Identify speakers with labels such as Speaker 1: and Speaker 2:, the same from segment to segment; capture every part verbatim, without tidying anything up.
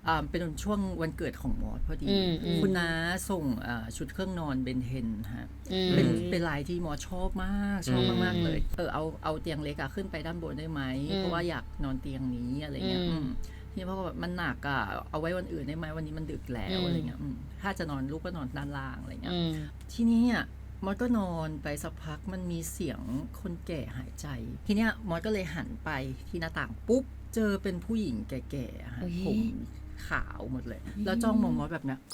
Speaker 1: อ่าเป็นช่วงวันเกิดของมอสพอดีคุณน้าส่งชุดเครื่องนอนเบนเทนฮะเป็นเป็นลายที่มอสชอบมากชอบมากๆเลยเออเอาเอาเตียงเล็กอะขึ้นไปด้านบนได้ไหมเพราะว่าอยากนอนเตียงนี้อะไรเงี้ยที่เพราะว่ามันหนักอะเอาไว้วันอื่นได้ไหมวันนี้มันดึกแล้วอะไรเงี้ยถ้าจะนอนลูกก็นอนด้านล่างอะไรเงี้ยทีนี้อ่ะมอสก็นอนไปสักพักมันมีเสียงคนแก่หายใจทีเนี้ยมอสก็เลยหันไปที่หน้าต่างปุ๊บเจอเป็นผู้หญิงแก่ๆผมขาวหมดเลยแล้วจ้องมองมอสแบบเนี้ย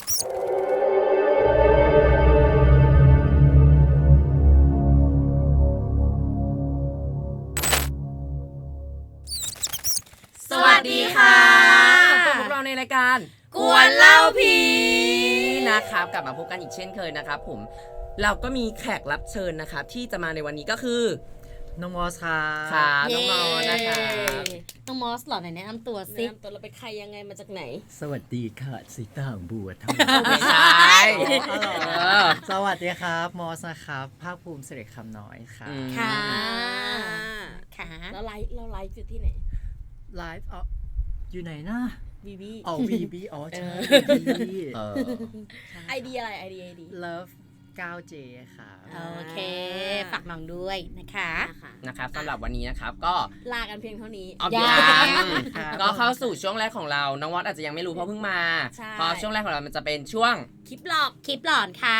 Speaker 2: สวัสดีค่ะพบกับเราในรายการกวนเล่าผีนะครับกลับมาพบกันอีกเช่นเคยนะครับผมเราก็มีแขกรับเชิญนะครับที่จะมาในวันนี้ก็คือ
Speaker 1: น้องมอสค่ะ
Speaker 2: ค่ะน้องมอสนะคะ
Speaker 3: น้องมอสหล่อไหนแนะนำตัวสิ
Speaker 4: แนะนำตัวเราเป็นใครยังไงมาจากไหน
Speaker 1: สวัสดีค่ะสีตางบัวทั้ง
Speaker 2: ไม่ใช่
Speaker 1: สวัสดีครับมอสนะครับภาคภูมิเสด็จคำน้อยค่ะ
Speaker 3: ค่ะค่ะ
Speaker 4: แล้วไลฟ์เราไลฟ์อยู่ที่ไหน
Speaker 1: ไลฟ์อ๋ออยู่ไหนนะ
Speaker 4: บีบี
Speaker 1: อ๋อบีบีอ๋อใช่บีบี
Speaker 4: ไอเดียอะไรไอเดียไอเดีย
Speaker 1: Love ไนน์ เจ ค่ะ
Speaker 3: โอเคฝากน้องด้วยนะคะ
Speaker 2: นะครับสำหรับวันนี้นะครับก็
Speaker 4: ลากันเพียงเท่านี้
Speaker 2: ยังก็เข้าสู่ช่วงแรกของเราน้องวอดอาจจะยังไม่รู้เพราะเพิ่งมาเพราะช่วงแรกของเรามันจะเป็นช่วง
Speaker 4: คลิปหลอก
Speaker 3: คลิปหลอนค่ะ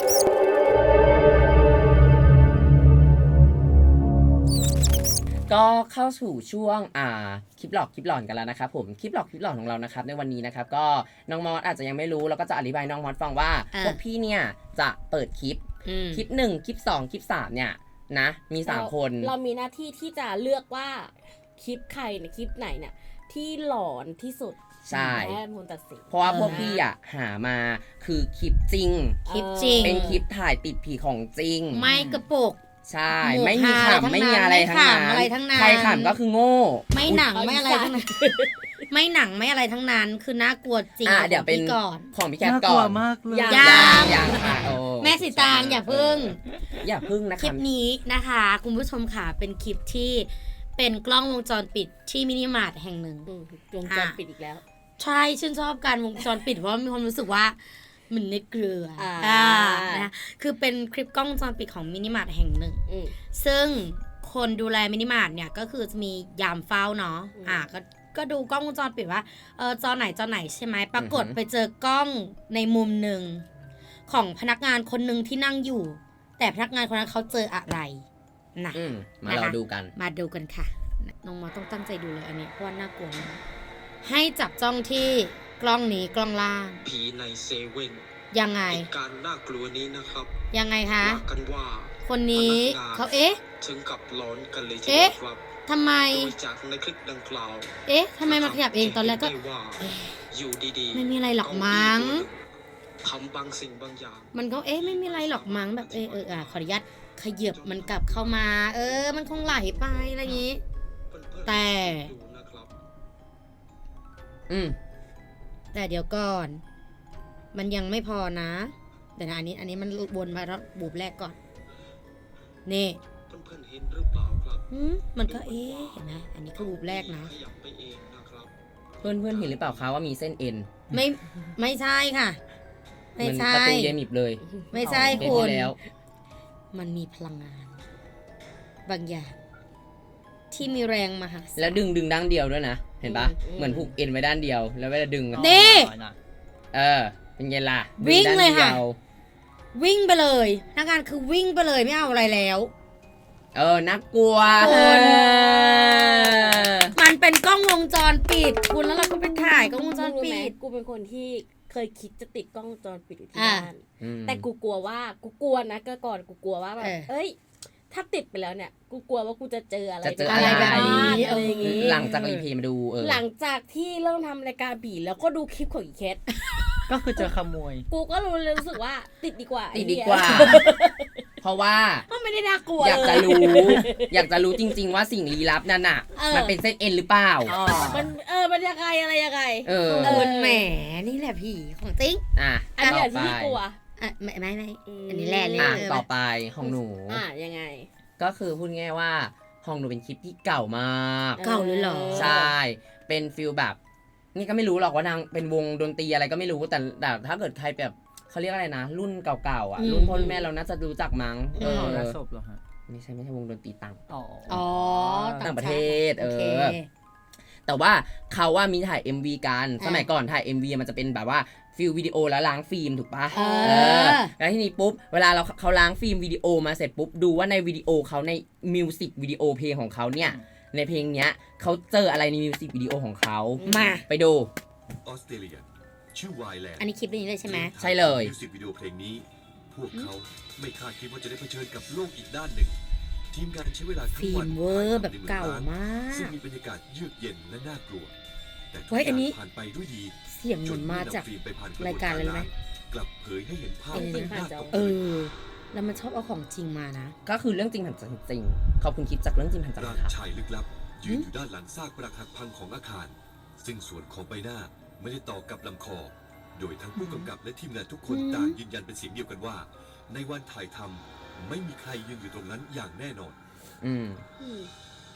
Speaker 2: ก็เข้าสู่ช่วงอ่าคลิปหลอกคลิปหลอนกันแล้วนะครับผมคลิปหลอกคลิปหลอนของเรานะครับในวันนี้นะครับก็น้องมอสอาจจะยังไม่รู้แล้วก็จะอธิบายน้องมอสฟังว่าพวกพี่เนี่ยจะเปิดคลิปคลิปหนึ่งคลิปสองคลิปสามเนี่ยนะมีสามคน
Speaker 4: เรามีหน้าที่ที่จะเลือกว่าคลิปใครเนี่ยคลิปไหนเนี่ยที่หลอนที่สุด
Speaker 2: ใช่
Speaker 4: แม่คนตัดสิน
Speaker 2: เพราะว่าพวกพี่อ่ะหามาคือคลิปจริง
Speaker 3: คลิปจริง
Speaker 2: เป็นคลิปถ่ายติดผีของจริง
Speaker 3: ไม่กระปุก
Speaker 2: ใช่ไม่มีขำไม่มีอะไรทั้งนั้นใครขำก็คือโง่
Speaker 3: ไม่หนังไม่อะไรทั้งนั้นไม่หนังไม่อะไรทั้งนั้นคือน่ากลัวจริง
Speaker 2: อ่ะเดี๋ยวเป็น
Speaker 3: ก่อน
Speaker 2: ของพี่แคทก่อน
Speaker 1: มากเลย
Speaker 3: ยัง
Speaker 2: ยังค่ะโอ้
Speaker 3: แม่สีตางอย่าพึ่ง
Speaker 2: อย่าพึ่งนะคะ
Speaker 3: คลิปนี้นะคะคุณผู้ชมค่ะเป็นคลิปที่เป็นกล้องวงจรปิดที่มินิมาร์ทแห่งหนึ่ง
Speaker 4: วงจรปิดอีกแล้ว
Speaker 3: ใช่ชื่นชอบการวงจรปิดเพราะมีความรู้สึกว่ามันในเกลืออ่านะคือเป็นคลิปกล้องวงจรปิดของมินิมาร์ทแห่งหนึ่งซึ่งคนดูแลมินิมาร์ทเนี่ยก็คือจะมียามเฝ้าเนาะอ่าก็ก็ดูกล้องวงจรปิดว่าเออจอไหนจอไหนใช่ไหมปรากฏไปเจอกล้องในมุมหนึ่งของพนักงานคนหนึ่งที่นั่งอยู่แต่พนักงานคนนั้นเขาเจออะไรนะ
Speaker 2: มาเราดูกัน
Speaker 3: มาดูกันค่ะน้องมอต้องตั้งใจดูเลยอันนี้เพราะว่าน่ากลัวมากให้จับจ้องที่กล้องนี้กล้องล่าง
Speaker 5: ผีในเซเว่น
Speaker 3: ยังไง
Speaker 5: การน่ากลัวนี้นะครับ
Speaker 3: ยังไงคะ
Speaker 5: ว่ากันว่า
Speaker 3: คนนี้เขาเอ๊ะ
Speaker 5: ถึงกับร้อนกันเลยทีเดี
Speaker 3: ยว
Speaker 5: ครับ
Speaker 3: ทำไม
Speaker 5: จากในคลิปดังกล่าว
Speaker 3: เอ๊ะทำไมมาขยับเองตอนแรกก็
Speaker 5: อยู่ดีๆ
Speaker 3: ไม่มีอะไรหรอกมั้ง
Speaker 5: ทำบางสิ่งบางอย่าง
Speaker 3: มันก็เอ๊ะไม่มีอะไรหรอกมั้งแบบเออเอออ่ะขออนุญาตขยับมันกลับเข้ามาเออมันคงไหลไปอะไรอย่างนี้แต่
Speaker 2: อืม
Speaker 3: แต่เดี๋ยวก่อนมันยังไม่พอนะแต่นะอันนี้อันนี้มันวนมาแล้วบูบแรกก่อนนี่
Speaker 5: เพื่อนๆเห็นหรือเปล่าครับ
Speaker 3: อืมมันก็เอ๊ะเห็นไหมอันนี้คือบูบแรกนะ
Speaker 2: เพื่อนเพื่อนเห็นหรือเปล่าคะว่ามีเส้นเอ็น
Speaker 3: ไม่ไม่ใช่ค่ะไม่ใช่
Speaker 2: ประตูเยมิบเลย
Speaker 3: ไม่ใช่คุณมันมีพลังงานบางอย่างที่มีแรงมหาศาล
Speaker 2: แล้วดึงดึงด้านเดียวด้วยนะเห็นปะเหมือนผูกเอ็นไว้ด้านเดียวแล้วเวลาดึง
Speaker 3: นี่
Speaker 2: เออเป็นไงล่ะ
Speaker 3: วิ่งเลยค่ะวิ่งไปเลยนักงานคือวิ่งไปเลยไม่เอาอะไรแล้ว
Speaker 2: เออน่ากลัว
Speaker 3: มันเป็นกล้องวงจรปิดคุณแล้วเราก็ไปถ่ายกล้องวงจรปิด
Speaker 4: กูเป็นคนที่เคยคิดจะติดกล้องวงจรปิดอยู่ที่บ้านแต่กูกลัวว่ากูกลัวนะก็ก่อนกูกลัวว่าแบบเอ้ยถ้าติดไปแล้วเนี่ยกูกลัวว่ากูจะเจออะไร
Speaker 2: อะไร
Speaker 3: แบบนี้
Speaker 4: อะไรอย่างงี้
Speaker 2: หลังจากรีเพย์มาดูเออ
Speaker 4: หลังจากที่เริ่มทำรายการผีแล้วก็ดูคลิปของอีเคส
Speaker 1: ก็คือเจอขโมย
Speaker 4: กูก็รู้รู้สึกว่าติดดีกว่า
Speaker 2: ติดดีกว่าเพราะว่า
Speaker 4: ก็ไม่ได้น่ากลัว
Speaker 2: อยากจะรู้อยากจะรู้จริงๆว่าสิ่งลี้ลับนั่นน่ะมันเป็นเส้นเอ็นหรือเปล่า
Speaker 4: มันเออมันยังไงอะไรยังไง
Speaker 2: เออ
Speaker 3: แหมนี่แหละผีของจริง
Speaker 2: อ่ะ
Speaker 4: อันนี้ที่กลัว
Speaker 3: อ่ะไม่ไม่ไม่อันนี้แหละ
Speaker 2: เลยต่อไปของหนู
Speaker 4: อ่ะยังไง
Speaker 2: ก็คือพูดง่ายว่าห้องหนูเป็นคลิปที่เก่ามาก
Speaker 3: เก่าเลยเหรอ
Speaker 2: ใช่เป็นฟิลแบบนี่ก็ไม่รู้หรอกว่านางเป็นวงดนตรีอะไรก็ไม่รู้แต่แต่ถ้าเกิดใครแบบเขาเรียกอะไรนะรุ่นเก่าๆอ่ะรุ่นพ่อรุ่นแม่เราน่าจะรู้จักมั้งเออ
Speaker 1: หอศพเหรอฮะ
Speaker 2: ไม่ใช่ไม่ใช่วงดนตรีต่าง
Speaker 1: อ๋อ
Speaker 3: อ๋อ
Speaker 2: ต่างประเทศเอ
Speaker 3: โค
Speaker 2: อแต่ว่าเขาว่ามีถ่าย เอ็ม วี กัน
Speaker 3: อ่ะ
Speaker 2: สมัยก่อนถ่าย เอ็ม วี มันจะเป็นแบบว่าฟิลวิดีโอแล้วล้างฟิล์มถูกปะ
Speaker 3: เออ
Speaker 2: เออแล้วทีนี้ปุ๊บเวลาเราเขาล้างฟิล์มวิดีโอมาเสร็จปุ๊บดูว่าในวิดีโอเขาในมิวสิกวิดีโอเพลงของเขาเนี่ยในเพลงเนี้ยเขาเจออะไรในมิวสิกวิดีโอของเขา
Speaker 3: มา
Speaker 2: ไปดู
Speaker 6: ออสเตรเลียชื่อไวแลนด์
Speaker 3: อันนี้คลิปนี้เลยใช่ไหม
Speaker 2: ใช่เลย
Speaker 6: มิวสิกวิดีโอเพลงนี้ พวกเขาไม่คาดคิดว่าจะได้เผชิญกับโลกอีกด้านหนึ่ง ทีมงานใช้เวลาทั้ง
Speaker 3: ฟิ
Speaker 6: วั
Speaker 3: ล์
Speaker 6: น
Speaker 3: มเวอร์แบบเก่ามาก
Speaker 6: ซึ่งมีบรรยากาศเยือกเย็นและน่ากลัว แต่ทุก
Speaker 3: เฮ้ย
Speaker 6: อ
Speaker 3: อันนี้
Speaker 6: ย่างผ่านไปด้วยดี
Speaker 3: เสียงเหมือนมาจาก
Speaker 6: จนเมื่อนำฟิล์มไปผ่านกะบวน
Speaker 3: รายการอะไรรู้ไหม
Speaker 6: กลับเผยให้เห็นภาพ
Speaker 3: เออ
Speaker 6: ที่น่าตก
Speaker 3: เอ
Speaker 6: ใจ
Speaker 3: อ แล้วมันชอบเอาของจริงมานะ
Speaker 2: ก็คือเรื่องจริงผ่านจริงขอบคุณคลิปจากเรื่องจริงผ่านจริง
Speaker 6: ร่าง
Speaker 2: ครับ
Speaker 6: ชายลึกลับ ยืนอยู่ด้านหลังซากปรักหักพังของอาคาร ซึ่งส่วนของใบหน้าไม่ได้ต่อกับลำคอ โดยทั้งผู้กำกับและทีมงานทุกคน
Speaker 3: อืม
Speaker 6: ต่างยืนยันเป็นเสียงเดียวกันว่า ในวันถ่ายทำไม่มีใครยืนอยู่ตรงนั้นอย่างแน่นอน
Speaker 2: อืม
Speaker 4: อืม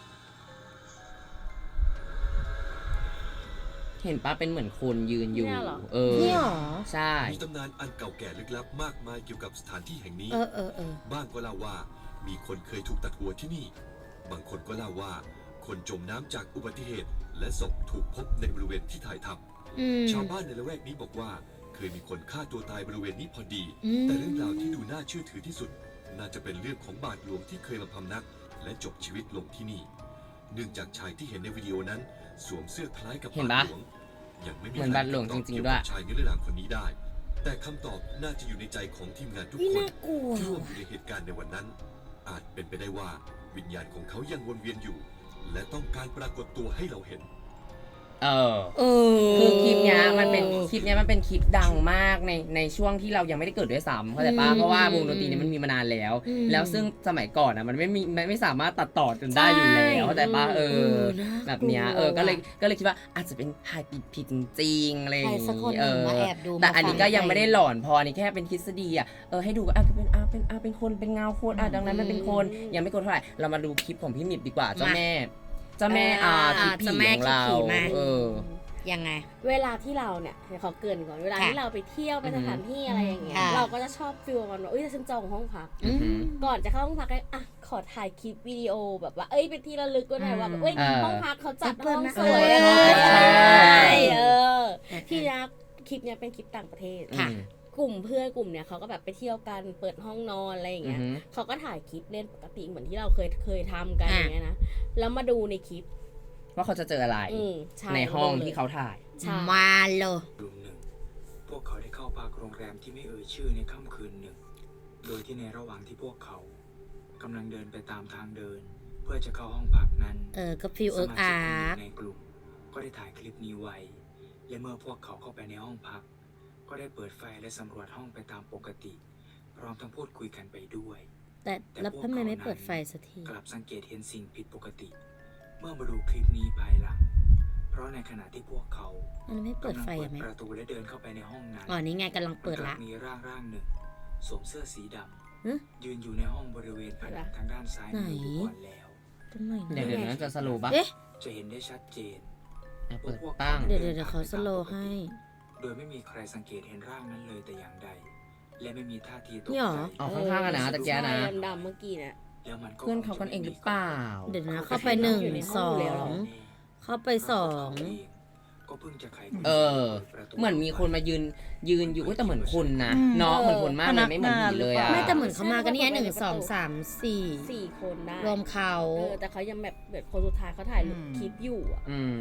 Speaker 2: เห็นปะเป็นเหมือนคนยืนอยู่
Speaker 4: เนี่ยเหรอ
Speaker 2: เออ
Speaker 3: นี่หรอ
Speaker 2: ใช่
Speaker 6: มีตำนานอันเก่าแก่ลึกลับมากมายเกี่ยวกับสถานที่แห่งนี้
Speaker 3: เออเออเออ
Speaker 6: บ้างก็เล่าว่ามีคนเคยถูกตัดหัวที่นี่ บางคนก็เล่าว่า คนจมน้ำจากอุบัติเหตุ และศพถูกพบในบริเวณที่ถ่ายท
Speaker 3: อืม
Speaker 6: ำชาวบ้านในละแวกนี้บอกว่า เคยมีคนฆ่าตัวตายบริเวณนี้พอดี
Speaker 3: อืม
Speaker 6: แต่เรื่องราวที่ดูน่าเชื่อถือที่สุด น่าจะเป็นเรื่องของบาทหลวงที่เคยมาพำนัก และจบชีวิตลงที่นี่ เนื่องจากชายที่เห็นในวิดีโอนั้น สวมเสื้อคล้ายกับ
Speaker 2: เห็น
Speaker 6: บา
Speaker 2: ปะ
Speaker 6: ทหลวงยังไม่มี
Speaker 2: เหมือนบาทหลวง
Speaker 6: ใคตอบ
Speaker 2: จริงๆ
Speaker 6: เกี่ยว
Speaker 2: ด้วย
Speaker 6: กับชายนิรนามคนนี้ได้ แต่คำตอบน่าจะอยู่ในใจของทีมงานทุก
Speaker 3: นี่
Speaker 6: คน
Speaker 3: น่ากลัว
Speaker 6: ที่ร่วมอ
Speaker 3: ว่ะ
Speaker 6: ยู่ในเหตุการณ์ในวันนั้น อาจเป็นไปได้ว่าวิญญาณของเขายังวนเวียนอยู่ และต้องการปรากฏตัวให้เราเห็น
Speaker 2: เออ
Speaker 3: เออ
Speaker 2: คือคลิปเนี้ยมันเป็นคลิปเนี้ยมันเป็นคลิปดังมากในในช่วงที่เรายังไม่ได้เกิดด้วยซ้ำเข้าใจปะ
Speaker 3: อืม
Speaker 2: เพราะว่าวงดนตรีเนี้มันมีมานานแล้ว
Speaker 3: อืม
Speaker 2: แล้วซึ่งสมัยก่อนอ่ะมันไม่มีไม่ไม่สามารถตัดต่อจนได้อยู่แล้วเข้าใจปะเอ
Speaker 3: เอ
Speaker 2: อ
Speaker 3: อน่ากลัว
Speaker 2: แบบเนี้ยเออก็เลย
Speaker 3: ว่ะ
Speaker 2: ก็เลยคิดว่าอาจจะเป็นถ่ายผิดผิดจริงๆอะไรอย่าง
Speaker 3: ใครสักคน
Speaker 2: งี้
Speaker 3: ห
Speaker 2: เอ
Speaker 3: นึ่ง
Speaker 2: อ
Speaker 3: มาแอบดู
Speaker 2: แต่
Speaker 3: มา
Speaker 2: อันนี้
Speaker 3: ฟัง
Speaker 2: ก็ยังไม่ได้
Speaker 3: ใคร
Speaker 2: หลอนพออันนี้แค่เป็นทฤษฎีอ่ะเออให้ดูอ่ะเป็นอ่ะเป็นอ่ะเป็นคนเป็นเงาคนอ่ะดังนั้นมันเป็นคนยังไม่กลัวเท่าไหร่เรามาดูคลิปของพี่หมิบดีกว่าเจ้า
Speaker 3: มา
Speaker 2: แม่เจ้าแม่อ่า
Speaker 3: อ่า
Speaker 2: คลิปผี
Speaker 3: เจ้าแม่
Speaker 2: ของเรา
Speaker 3: คลิปผีมา
Speaker 2: เออ
Speaker 3: ยังไง
Speaker 4: เวลาที่เราเนี่ยให้เขาเกรินก่อนเวลา
Speaker 3: ค่ะ
Speaker 4: ที่เราไปเที่ยวไปสถานที่อะไรอย่างเงี้ย
Speaker 3: ค่ะ
Speaker 4: เราก็จะชอบฟีลกันว่าเอ้ยฉันจองห้องพัก
Speaker 2: อือหือ
Speaker 4: ก่อนจะเข้าห้องพักก็อ่ะขอถ่ายคลิปวิดีโอแบบว่าเอ้ยเป็นที่ระลึกก็หน่อยว่าแบบเอ้ย
Speaker 2: เออ
Speaker 4: ห้องพักเขาจัด
Speaker 3: เปิ
Speaker 4: ห้
Speaker 3: ด
Speaker 4: อง
Speaker 3: มา
Speaker 4: สวย
Speaker 3: เออ
Speaker 4: นะ
Speaker 2: ใช่
Speaker 4: เออ
Speaker 3: เออ
Speaker 4: ที่นะคลิปเนี้ยเป็นคลิปต่างประเทศ
Speaker 3: ค่ะ
Speaker 4: กลุ่มเพื่อนกลุ่มเนี้ยเขาก็แบบไปเที่ยวกันเปิดห้องนอนอะไรอย่าง
Speaker 2: อื
Speaker 4: เงี้
Speaker 2: อย หือ
Speaker 4: เขาก็ถ่ายคลิปเล่นปกติเหมือนที่เราเคยเคยทำกัน
Speaker 3: อ่ะ
Speaker 4: อย่างเงี้ยนะแล้วมาดูในคลิป
Speaker 2: ว่าเขาจะเจออะไร
Speaker 4: อืมช่
Speaker 2: ในห้อง
Speaker 4: ลย
Speaker 2: ที่เขาถ่าย
Speaker 4: ใช่
Speaker 3: มาเลย
Speaker 7: กลุ่มหนึ่ง พวกเขาได้เข้าพักโรงแรมที่ไม่เอ่ยชื่อในค่ำคืนหนึ่ง โดยที่ในระหว่างที่พวกเขากำลังเดินไปตามทางเดิน เพื่อจะเข้าห้องพักนั้น
Speaker 3: เออก็ฟิลเอิร์ก
Speaker 7: ส
Speaker 3: อา
Speaker 7: มาชิกคนห
Speaker 3: ร์
Speaker 7: นึ่งในกลุ่มก็ได้ถ่ายคลิปนี้ไว้ และเมื่อพวกเขาเข้าไปในห้องพัก ก็ได้เปิดไฟและสำรวจห้องไปตามปกติ พร้อมทั้งพูดคุยกันไปด้วย
Speaker 3: แต่แล้วทำไมไม่เปิดไฟสักที
Speaker 7: กลับสังเกตเห็นสิ่งผิดปกติ เมื่อมาดูคลิปนี้ภายหลัง เพราะในขณะที่พวกเขา
Speaker 3: มันไม่เปิดไฟ
Speaker 7: กำลั
Speaker 3: อ่ะ
Speaker 7: ง
Speaker 3: แม่
Speaker 7: เปิดประตูและเดินเข้าไปในห้องนั้น
Speaker 3: อ๋อนี่ไงกำลังเปิดละ
Speaker 7: กลับมีร่างร่างหนึ่ง สวมเสื้อสีด
Speaker 3: ฮะ
Speaker 7: ำยืนอยู่ในห้องบริเวณผนังทางด้านซ้ายมือ
Speaker 3: ไหน
Speaker 7: ทุกคนแล้ว
Speaker 3: ตรงไหน
Speaker 2: เดี๋ยว
Speaker 3: นะ
Speaker 2: เดี๋ยวนั้นจะสโลว์ปะ
Speaker 3: เอ๊ะ
Speaker 7: จะเห็นได้ชัดเจน
Speaker 2: อ่ะเปิด
Speaker 7: ว่าพวก
Speaker 2: ตั้ง
Speaker 3: เดี๋ยวเดี๋ยวเดี๋ยวเขาสโลว์ให้
Speaker 7: โดยไม่มีใครสังเกตเห็นร่างนั้นเลยแต่อย่างใด และไม่มีท่าทีตก
Speaker 3: นี่หรอ
Speaker 7: ใจ
Speaker 2: อ๋อข้างๆอะนะตะเกียนะ
Speaker 4: ใช่ดำๆเมื่อกี้เนี่ย
Speaker 7: แล้วมันก็
Speaker 2: เพื่อนเขากันเองหรือเปล่า
Speaker 3: เดี๋ยวนะเข้าไปหนึ่ง
Speaker 4: อยู่ในห้
Speaker 3: ส
Speaker 4: อง
Speaker 3: อ
Speaker 4: อยู่แล้ว
Speaker 3: ง เข้าไปสอง
Speaker 7: ก็เพิ่งจะไข
Speaker 2: เออ เหมือนมีคนมายืนยืนอยู่อุ๊ยแต่เหมือนคนนะเนาะเหมือนคนมากเลยไม่เหมือนผีเลยอ่ะ
Speaker 3: ไม่แต่เหมือนเขามากันเนี่ยหนึ่งสองสามสี่
Speaker 4: สี่คนได้
Speaker 3: รวมเขา
Speaker 4: เออแต่เขายังแบบแบบคนสุดท้ายเขาถ่ายรูป
Speaker 1: อืม
Speaker 4: คลิปอยู่อ่ะ
Speaker 2: อืม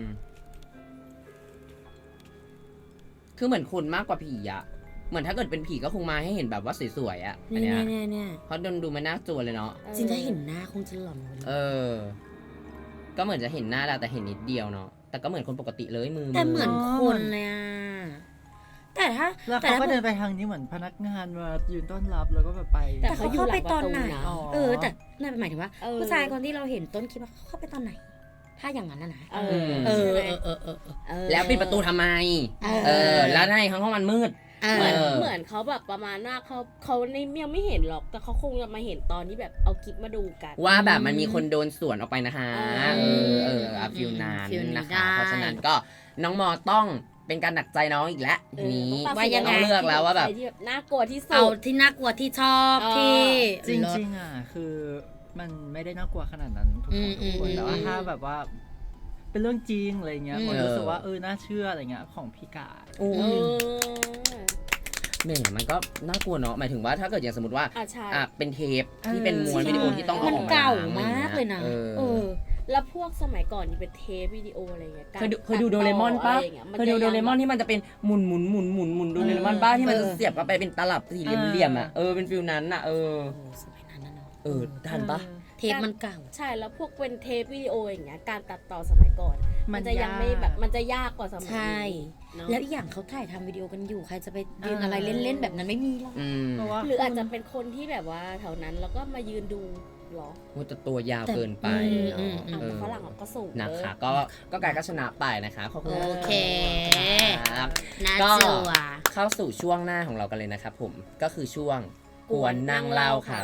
Speaker 2: คือเหมือนคนมากกว่าผีอ่ะ เหมือนถ้าเกิดเป็นผีก็คงมาให้เห็นแบบว่าสวยๆอ่ะอัน
Speaker 3: เนี่ย
Speaker 2: เนี้ย
Speaker 3: เนี่ยเนี่ย
Speaker 2: เพราะดนดูมันน่ากลัวเลยเนาะ
Speaker 3: จริงถ้าเห็นหน้าคงจะหลอนกว่านี้
Speaker 2: เออ ก็เหมือนจะเห็นหน้าแล้วแต่เห็นนิดเดียวเนาะ แต่ก็เหมือนคนปกติเลยมือ
Speaker 3: แต่เหมือนคนเลยอ่ะแต่ถ้า
Speaker 1: แล้ว
Speaker 3: แต่
Speaker 1: เขา
Speaker 3: ถ้า
Speaker 1: ก็เดินไปทางนี้เหมือนพนักงานมายืนต้อนรับแล้วก็แบบไป
Speaker 4: แต่
Speaker 3: แต่เขาเข้าไปตอนไหน
Speaker 4: เขาอยู่หลังประตูนะ
Speaker 1: อ๋อ
Speaker 3: เออ แต่นั่นหมายถึงว่า
Speaker 4: เออ
Speaker 3: ผู้ชายคนที่เราเห็นต้นคลิปว่าเขาเข้าไปตอนไหน ถ้าอย่างนั้นนะนะ
Speaker 4: เอ
Speaker 2: อื
Speaker 4: อ
Speaker 2: ม
Speaker 3: เออ
Speaker 4: ใช่ไหม
Speaker 3: เออเออเออเออ
Speaker 4: เออ
Speaker 2: แล้วปิดประตูทำไม
Speaker 3: เออ
Speaker 2: เออ แล้วในห้องมันมืด
Speaker 3: เอ
Speaker 4: เหมือน
Speaker 3: อ
Speaker 4: เหมือนเขาแบบประมาณว่าเขาเขาในยังไม่เห็นหรอก แต่เขาคงจะมาเห็นตอนที่แบบเอาคลิปมาดูกัน
Speaker 2: ว่าแบบมันมีคนโดนสวนออกไปนะคะ
Speaker 4: เอ
Speaker 2: เอ
Speaker 4: อ
Speaker 2: อ เอออะฟิลนาน
Speaker 3: ฟิลนี้
Speaker 2: นะคะ
Speaker 3: ได้
Speaker 2: เพราะฉะนั้นก็น้องมอต้องเป็นการหนักใจน้องอีกแล้วทีนี้
Speaker 3: ว่ายังไง
Speaker 2: ต้องเลือกแล้วว่าแบบ
Speaker 4: ใครที่น่ากลัวที่สุ
Speaker 3: เอา
Speaker 4: ด
Speaker 3: ที่น่ากลัวที่ชอบ
Speaker 4: เออ
Speaker 3: ที่
Speaker 1: จริงๆอ่ะคือมันไม่ได้น่ากลัวขนาดนั้นทุกคนทุกคนแต่ว่าถ้าแบบว่า เป็นเรื่องจริงอะไรเงี้ยผมรู้สึกว่าเออน่าเชื่ออะไรเงี้ยของพี่กา
Speaker 2: โอ้
Speaker 4: เอย อ
Speaker 2: แหม่มันก็น่ากลัวเนาะหมายถึงว่าถ้าเกิดอย่างสมมติว่า
Speaker 4: อ่ะใช่
Speaker 2: อ่ะเป็นเทปที่เป็นม้วนวิดีโอที่ต้องเอา
Speaker 3: มัน
Speaker 2: ออกมา
Speaker 3: เก่า
Speaker 2: ล้งอะไร
Speaker 3: มาก
Speaker 2: งี้
Speaker 3: เลยนะ
Speaker 2: เออ
Speaker 3: เออ
Speaker 4: แล้วพวกสมัยก่อนนี่เป็นเทปวิดีโออะไรเงี้ยการ
Speaker 2: เคยดูเคยดูโดเรมอนปะ
Speaker 4: ตัดต่อไรงี้
Speaker 2: เคยดูโดเรมอนที่มันจะเป็นหมุนหมุนหมุนหมุนหมุนโดเรมอนป้าที่มันจะเสียบเข้าไปเป็นตลับสี่เหลี่ยมๆอ่ะเออเป็นฟิลนั้นอ่ะเออ
Speaker 3: โอ้สมัยนั้นนะเนาะ
Speaker 2: เออทันปะ
Speaker 3: เทปมันเก่า
Speaker 4: ใช่แล้วพวกเป็นเทปวิดีโออย่างเงี้ยการตัดต่อสมัยก่อน มันจะยังไม่แบบมันจะยากกว่าสมัย
Speaker 3: ใช่
Speaker 4: นี้เนอะ
Speaker 3: แล้วอีกอย่างเขาถ่ายทำวิดีโอกันอยู่ ใครจะไปยืนอะไรเล่นๆแบบนั้นไม่มีหรอก
Speaker 2: อืม
Speaker 1: เพราะว่า
Speaker 4: หรืออาจจะเป็นคนที่แบบว่าแถวนั้นแล้วก็มายืนดูหรอ
Speaker 2: ว่าจะตัวยาวเกินไป
Speaker 3: แต่อืม
Speaker 2: เนาะ
Speaker 3: อืม
Speaker 4: อ่ะ
Speaker 2: เอ
Speaker 4: แต่
Speaker 2: อ
Speaker 4: ฝรั่งอ่ะก็สูง
Speaker 2: นะ
Speaker 4: เออ
Speaker 2: คะก็ก็กายก็ชนะไปนะคะขอบคุณ
Speaker 3: โอเค
Speaker 2: ครับ
Speaker 3: น่า
Speaker 2: ก็
Speaker 3: จัว
Speaker 2: เข้าสู่ช่วงหน้าของเรากันเลยนะครับผมก็คือช่วงกวนนั่งเล่าครับ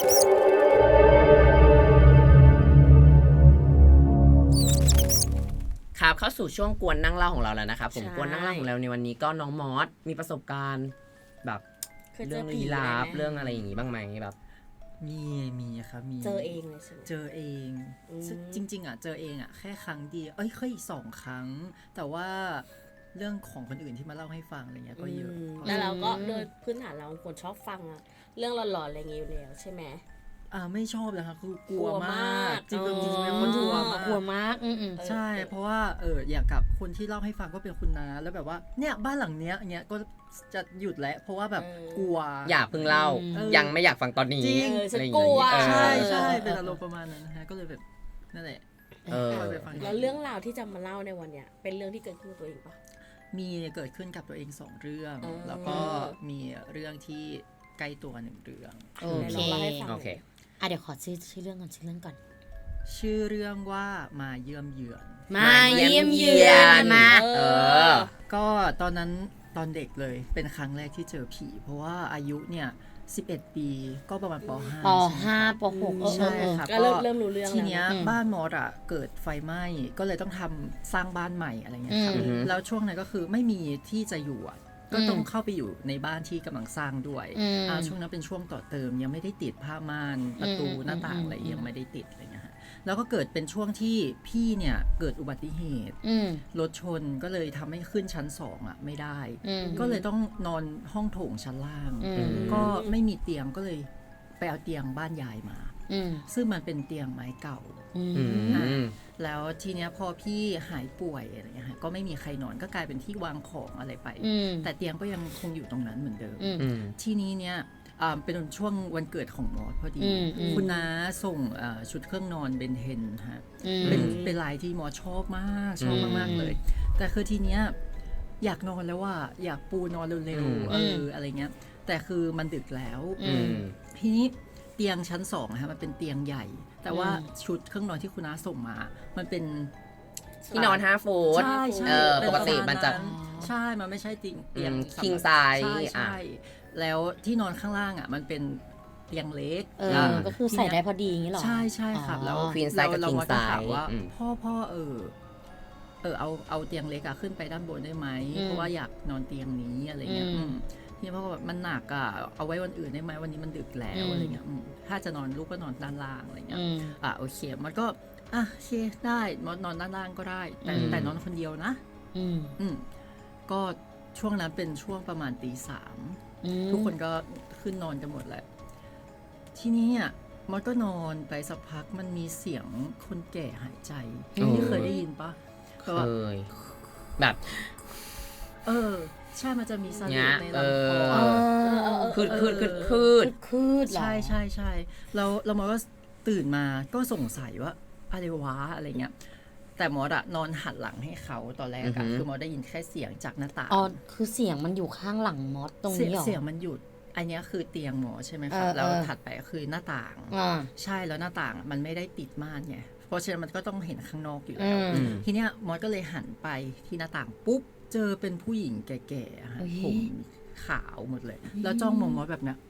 Speaker 2: ครับเข้าสู่ช่วงกวนนั่งเล่าของเราแล้วนะครับผม
Speaker 4: ใช่
Speaker 2: กวนนั่งเล่าของเราในวันนี้ก็น้องมอสมีประสบการณ์แบบ
Speaker 4: เคยเจ
Speaker 2: เรื่
Speaker 4: อ
Speaker 2: อง
Speaker 4: ผี
Speaker 2: ลี้ลับ
Speaker 4: ไหม
Speaker 2: เรื่องอะไรอย่างงี้บ้างไหมแบบ
Speaker 1: มีมีครับมี
Speaker 4: เจอเองเลยใช่ไหม
Speaker 1: เจอเอง
Speaker 4: อืม
Speaker 1: ซึ่งจริง ๆอ่ะเจอเองอ่ะแค่ครั้งเดียวเอ้ยเคยอีกสองครั้ง แต่ว่าเรื่องของคนอื่นที่มาเล่าให้ฟังอะไรเงี้ยก็เยอะ
Speaker 4: มแล้วเราก็โดยพื้นฐานเราเป็นคนชอบฟังอะเรื่องหลอนๆอะไรอย่างเงี้ยอยู่แล้วใช่ไหม
Speaker 1: อ่าไม่ชอบเลยค่ะคือกลัว
Speaker 4: กลัว
Speaker 1: มาม
Speaker 4: าก ก
Speaker 1: จริง
Speaker 4: เออ
Speaker 1: ๆจริงๆเป็นคนกลัวมาก
Speaker 3: กลัวมากอืม
Speaker 1: ใช่ เพราะว่าเอออยากกับคนที่เล่าให้ฟังก็เป็นคุณน้าแล้วแบบว่าเนี่ยบ้านหลังเนี้ยเงี้ยก็จะหยุดแล้วเพราะว่าแบบกลัว
Speaker 2: อย่าเพิ่งเล่า
Speaker 1: เออ
Speaker 2: ยังไม่อยากฟังตอนนี้
Speaker 1: จริง
Speaker 4: เออฉัน
Speaker 2: อะไรอย่าง
Speaker 4: กลั
Speaker 2: งี้
Speaker 4: ว
Speaker 2: เออ
Speaker 1: ใช่
Speaker 4: เออ
Speaker 1: ใช่เป็นอารมณ์ประมาณนั้นนะฮะก็เลยแบบนั่นแหละ
Speaker 2: เออ
Speaker 1: ก็ไปฟัง
Speaker 4: แล้วเรื่องราวที่จะมาเล่าในวันเนี้ยเป็นเรื่องที่เกิดขึ้นกับตัวเองปะ
Speaker 1: มีเกิดขึ้นกับตัวเองสองเรื่อง
Speaker 4: อ๋อ
Speaker 1: แล้วก็มีเรื่องที่ใกล้ตัวหนึ่งเรื่อง
Speaker 3: โอ
Speaker 4: ไหน
Speaker 3: เค
Speaker 4: ลองเล่าให้ฟัง
Speaker 2: โอเค
Speaker 3: อ่ะเดี๋ยวขอชื่อชื่อเรื่องก่อนชื่อเรื่องก่อน
Speaker 1: ชื่อเรื่องว่ามาเยี่ยมเยือน
Speaker 3: มาเยี่ยมเยือนมา
Speaker 2: เออ
Speaker 1: ก็ตอนนั้นตอนเด็กเลยเป็นครั้งแรกที่เจอผี เพราะว่าอายุเนี่ยสิบเอ็ดปีก็ประมาณป .ห้า
Speaker 3: ปห้าปหกเออเอ
Speaker 1: ใช่
Speaker 3: อเออ
Speaker 1: ครับ
Speaker 4: ก็เริ่มเริ่มรู้เรื่อง
Speaker 1: ทีเนี้ย
Speaker 3: อืม
Speaker 1: บ้านมอสอ่ะเกิดไฟไหม้ก็เลยต้องทำสร้างบ้านใหม่อะไรเงี้ยครับ
Speaker 3: อืม
Speaker 1: แล้วช่วงนั้นก็คือไม่มีที่จะอยู่อ่ะก็ต้องเข้าไปอยู่ในบ้านที่กำลังสร้างด้วย
Speaker 3: อืม
Speaker 1: อ่าช่วงนั้นเป็นช่วงต่อเติมยังไม่ได้ติดผ้าม่านประตู
Speaker 3: อืม
Speaker 1: หน้าต่างอะไร
Speaker 3: อืม
Speaker 1: ยังไม่ได้ติดอะไรเงี้ยฮะแล้วก็เกิดเป็นช่วงที่พี่เนี่ยเกิดอุบัติเหตุ
Speaker 3: อืม
Speaker 1: รถชนก็เลยทำให้ขึ้นชั้นสองอ่ะไม่ได้
Speaker 3: อืม
Speaker 1: ก็เลยต้องนอนห้องโถงชั้นล่าง
Speaker 3: อืม
Speaker 1: ก็ไม่มีเตียงก็เลยไปเอาเตียงบ้านยายมา
Speaker 3: อืม
Speaker 1: ซึ่งมันเป็นเตียงไม้เก่า
Speaker 3: อื
Speaker 2: อื
Speaker 3: ม
Speaker 2: ม
Speaker 1: แล้วทีเนี้ยพอพี่หายป่วยอะไรเงี้ยฮะก็ไม่มีใครนอนก็กลายเป็นที่วางของอะไรไป
Speaker 3: อืม
Speaker 1: แต่เตียงก็ยังคงอยู่ตรงนั้นเหมือนเดิม
Speaker 3: อืม
Speaker 2: อืม
Speaker 1: ทีนี้เนี่ยอ่าเป็นช่วงวันเกิดของมอสพอดี
Speaker 3: อืมอืม
Speaker 1: คุณน้าส่งอ่าชุดเครื่องนอนเบนเทนฮะ
Speaker 3: อืม
Speaker 1: เป็นเป็นลายที่มอสชอบมากชอบมากๆเลย แต่คือทีเนี้ยอยากนอนแล้วว่าอยากปูนอนเร็ว
Speaker 2: อืม
Speaker 1: ๆเอออะไรเงี้ยแต่คือมันดึกแล้ว
Speaker 3: อื
Speaker 2: อื
Speaker 3: ม
Speaker 2: ม
Speaker 1: ทีนี้เตียงชั้นสองนะฮะมันเป็นเตียงใหญ่ แต่ว่า
Speaker 3: อืม
Speaker 1: ชุดเครื่องนอนที่คุณน้าส่งมา มันเป็น
Speaker 2: ที่นอนห้าฟุต
Speaker 1: ใช่ใช่
Speaker 2: เออ
Speaker 1: เป็น
Speaker 2: ปกติ
Speaker 1: รณ
Speaker 2: มันจะ
Speaker 1: ใช่มันไม่ใช่เตียงเตียง
Speaker 2: อืม
Speaker 1: สำหรับ
Speaker 2: king size
Speaker 1: ใช่
Speaker 2: อ่ะ
Speaker 1: ใช่แล้วที่นอนข้างล่างอ่ะมันเป็นเตียงเล็ก
Speaker 3: เออ ก็คือใส่ได้พอดีอย่างนี้เหรอ
Speaker 1: ใช่ใช่ครับ แล้ว
Speaker 3: อ๋อ
Speaker 2: queen size กับ
Speaker 1: เรา
Speaker 2: king
Speaker 1: เราก็ถาม
Speaker 2: size
Speaker 1: ว่า
Speaker 2: อืม
Speaker 1: พ่อพ่อเออเออเอาเอาเตียงเล็กอะขึ้นไปด้านบนได้ไหม
Speaker 3: อืม
Speaker 1: เพราะว่าอยากนอนเตียงนี้อะไรเงี้ย
Speaker 3: อืม
Speaker 1: อืมทีนี้พ่อก็แบบมันหนักอะเอาไว้วันอื่นได้ไหมวันนี้มันดึกแล้ว
Speaker 3: อืม
Speaker 1: อะไรเงี้ยอืมถ้าจะนอนลูกก็นอนด้านล่างอะไรเงี้ย
Speaker 3: อืม
Speaker 1: อ่ะโอเคมันก็อ่ะโอเคได้นอนนอนด้านล่างก็ได้ แต่
Speaker 2: อืม
Speaker 1: แต่นอนคนเดียวนะ
Speaker 3: อืม
Speaker 1: อืมก็ช่วงนั้นเป็นช่วงประมาณตีสาม
Speaker 3: อืม
Speaker 1: ทุกคนก็ขึ้นนอนกันหมดแหละทีนี้อ่ะมันก็นอนไปสักพักมันมีเสียงคนแก่หายใจ
Speaker 2: อืม
Speaker 1: ที่เคยได้ยินปะ
Speaker 2: เค
Speaker 1: แบบว่า
Speaker 2: ย แบบ
Speaker 1: เออ ใช่มันจะมีส
Speaker 2: เนี้
Speaker 1: ลิ
Speaker 2: ย
Speaker 1: ใน
Speaker 2: เอ
Speaker 1: ลำคอ
Speaker 2: อ
Speaker 3: เออ
Speaker 2: คืดคืดคืดคืด
Speaker 3: คืดเหรอ
Speaker 1: ใช่ใช่ใช่แล้วแล้วมันก็ตื่นมาก็สงสัยว่าอะไรวะอะไรเงี้ย แต่มอสอะนอนหันหลังให้เขาตอนแรก
Speaker 2: อือหื
Speaker 1: อะ
Speaker 2: อ
Speaker 1: คือมอสได้ยินแค่เสียงจากหน้าต่าง
Speaker 3: อ๋อ คือเสียงมันอยู่ข้างหลังมอสตรง
Speaker 1: เสียง
Speaker 3: นี้เหรอ
Speaker 1: เสียงมันหยุด อันเนี้ยคือเตียงหมอใช่ไหมครับ
Speaker 3: เออ
Speaker 1: แล้ว
Speaker 3: เออ
Speaker 1: ถัดไปก็คือหน้าต่าง
Speaker 3: อ่า
Speaker 1: ใช่แล้วหน้าต่างมันไม่ได้ติดม่านไงเพราะฉะนั้นมันก็ต้องเห็นข้างนอกอยู่
Speaker 3: อื
Speaker 1: แล้ว
Speaker 3: ม
Speaker 2: อืม
Speaker 1: ทีเนี้ยมอสก็เลยหันไปที่หน้าต่างปุ๊บเจอเป็นผู้หญิงแก่ๆอะฮะ
Speaker 3: อุ๊ย
Speaker 1: ผมขาวหมดเลย แล้วจ้องมองมอสแบบเนี้ย